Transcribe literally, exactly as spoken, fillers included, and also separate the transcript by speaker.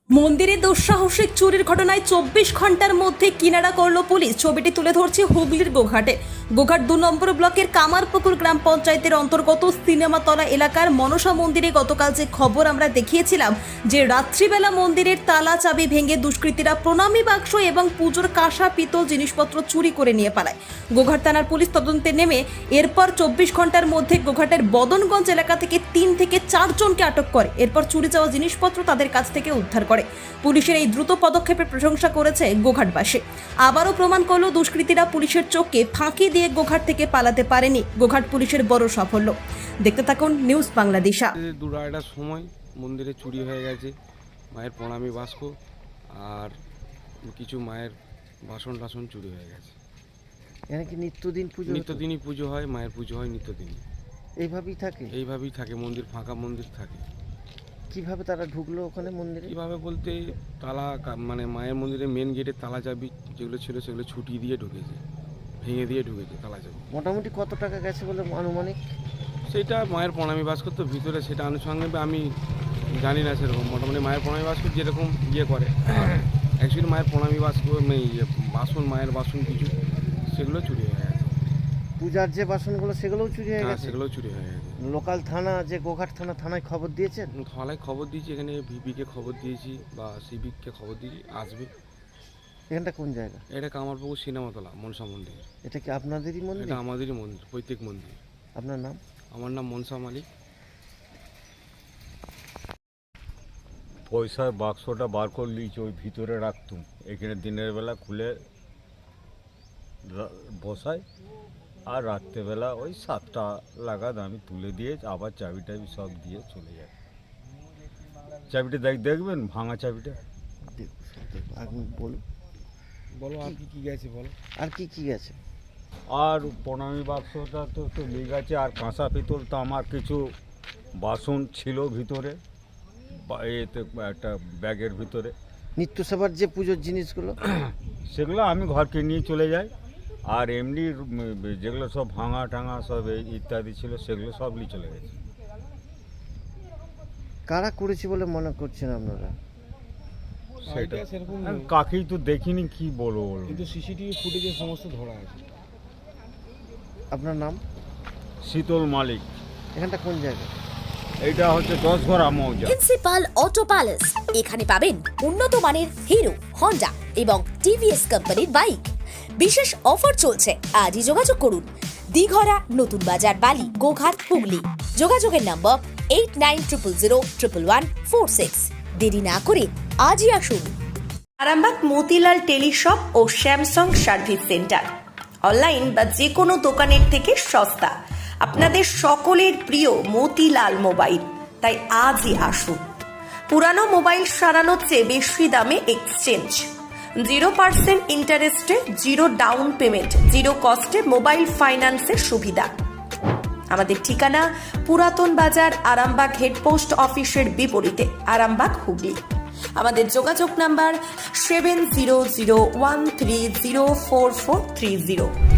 Speaker 1: মন্দিরে দুঃসাহসিক চুরির ঘটনায় চব্বিশ ঘন্টার মধ্যে কিনারা করলো পুলিশ। ছবিটি তুলে ধরছে হুগলির গোঘাটে। গোঘাট দু নম্বর ব্লকের কামারপুকুর গ্রাম পঞ্চায়েতের অন্তর্গত সিনেমাতলা এলাকার মনসা মন্দিরে গতকাল যে খবর আমরা দেখিয়েছিলাম যে রাত্রিবেলা মন্দিরের তালা চাবি ভেঙে দুষ্কৃতীরা প্রণামী বাক্স এবং পুজোর কাঁসা পিতল জিনিসপত্র চুরি করে নিয়ে পালায়। গোঘাট থানার পুলিশ তদন্তে নেমে এরপর চব্বিশ ঘন্টার মধ্যে গোঘাটের বদনগঞ্জ এলাকা থেকে তিন থেকে চারজনকে আটক করে। এরপর চুরি যাওয়া জিনিসপত্র তাদের কাছ থেকে উদ্ধার করে। পুলিশের এই দ্রুত পদক্ষেপের প্রশংসা করেছে গোঘাটবাসী। আবারও প্রমাণ করলো দুষ্কৃতীরা পুলিশের চোখকে ফাঁকি দিয়ে গোঘাট থেকে পালাতে পারেনি। গোঘাট পুলিশের বড় সাফল্য। দেখতে থাকুন নিউজ বাংলাদেশা।
Speaker 2: দু আড়াইটার সময় মন্দিরে চুরি হয়ে গেছে মায়ের প্রণামী বাস্ক আর কিছু মায়ের বাসন টাসন চুরি হয়ে গেছে।
Speaker 3: এখানে কি নিত্যদিন পুজো?
Speaker 2: নিত্যদিনই পুজো হয়, মায়ের পুজো হয় নিত্যদিনই।
Speaker 3: এইভাবেই থাকে?
Speaker 2: এইভাবেই থাকে, মন্দির ফাঁকা মন্দির থাকে।
Speaker 3: কিভাবে তারা ঢুকলো ওখানে মন্দিরে?
Speaker 2: কিভাবে বলতে তালা মানে মায়ের মন্দিরে মেন গেটে তালা চাবি যেগুলো ছিল সেগুলো ছুটিয়ে দিয়ে ঢুকেছে, ভেঙে দিয়ে ঢুকেছে তালা চাবি।
Speaker 3: মোটামুটি কত টাকা গেছে বলে আনুমানিক?
Speaker 2: সেটা মায়ের প্রণামী বাস্ক তো ভিতরে, সেটা আনুষঙ্গিক আমি জানি না সেরকম। মোটামুটি মায়ের প্রণামী বাস্ক যেরকম ইয়ে করে অ্যাকচুয়ালি মায়ের প্রণামী বাস্ক ইয়ে বাসন মায়ের বাসন কিছু সেগুলো চুরি হয়ে গেছে।
Speaker 3: পূজার যে বাসনগুলো সেগুলোও চুরি হয়ে গেছে?
Speaker 2: সেগুলো চুরি হয়ে গেছে।
Speaker 3: লোকাল থানা যে গোঘাট থানা থানায় খবর দিয়েছেন?
Speaker 2: থানায় খবর দিয়েছি, এখানে ভিপিকে খবর দিয়েছি বা সিভিককে খবর দিয়েছি, আসবে।
Speaker 3: এখানটা কোন জায়গা?
Speaker 2: এটা কামারপুকুর সিনেমাতলা মনসা মন্দির।
Speaker 3: এটা কি আপনাদেরই মন্দির?
Speaker 2: এটা আমাদেরই মন্দির, প্রত্যেক মন্দির।
Speaker 3: আপনার নাম?
Speaker 2: আমার নাম মনসা মালিক।
Speaker 4: পয়সার বাক্সটা বার করে নিয়েছি, ওই ভিতরে রাখতুম। এখানে দিনের বেলা খুলে বসাই আর রাত্রেবেলা ওই সাতটা লাগাদ আমি তুলে দিয়ে আবার চাবি টাবি সব দিয়ে চলে যাই। চাবিটা দেখ দেখবেন ভাঙা চাবিটা।
Speaker 3: আপনি বলুন,
Speaker 2: বলো আর কি কি গেছে বলো।
Speaker 3: আর কি কি গেছে?
Speaker 4: আর প্রণামী বাক্সটা তো তো লেগে গেছে, আর কাঁসা পিতল তো আমার কিছু বাসন ছিল ভিতরে, এতে একটা ব্যাগের ভিতরে।
Speaker 3: নিত্য সেবার যে পুজোর জিনিসগুলো
Speaker 4: সেগুলো আমি ঘরকে নিয়ে চলে যাই। আর এমনি যেগুলো সব ভাঙা টাঙা সব এই ইত্যাদি ছিল সেগুলো সব নিয়ে চলে গেছে।
Speaker 3: কারা করেছে বলে মনে করছেন আপনারা?
Speaker 2: সেটা সেরকম
Speaker 4: কাকেই তো দেখিনি, কি বলবো বলবো
Speaker 2: কিন্তু সিসিটিভি ফুটেজে সমস্ত ধরা আছে।
Speaker 3: আপনার নাম?
Speaker 4: শীতল মালিক।
Speaker 3: এখানটা কোন জায়গা?
Speaker 4: এটা হচ্ছে দশ ঘর মৌজা।
Speaker 5: Principal auto palace. এখানে পাবেন উন্নত মানের হিরো, হন্ডা এবং টিভিএস কোম্পানির বাইক। বিশেষ অফার চলছে, আজই যোগাযোগ করুন। দিঘরা, নতুন বাজার, বালি, গোঘাট, হুগলি। যোগাযোগের number eight nine triple zero triple one four six. দেরি না করে আজই আসুন।
Speaker 6: আরামবাগ মতিলাল টেলিশপ ও স্যামসাং সার্ভিস সেন্টার। অনলাইন বা যে কোনো দোকানের থেকে সস্তা। আপনাদের সকলের প্রিয় মতিলাল মোবাইল। তাই আজই আসুন। পুরানো মোবাইল সারানোর চেয়ে বেশি দামে এক্সচেঞ্জ। জিরো পার্সেন্ট ইন্টারেস্টে জিরো ডাউন পেমেন্ট, জিরো কস্টে মোবাইল ফাইন্যান্সের সুবিধা। আমাদের ঠিকানা পুরাতন বাজার, আরামবাগ হেডপোস্ট অফিসের বিপরীতে, আরামবাগ, হুগলি। আমাদের যোগাযোগ number seven zero zero one three zero four four three zero.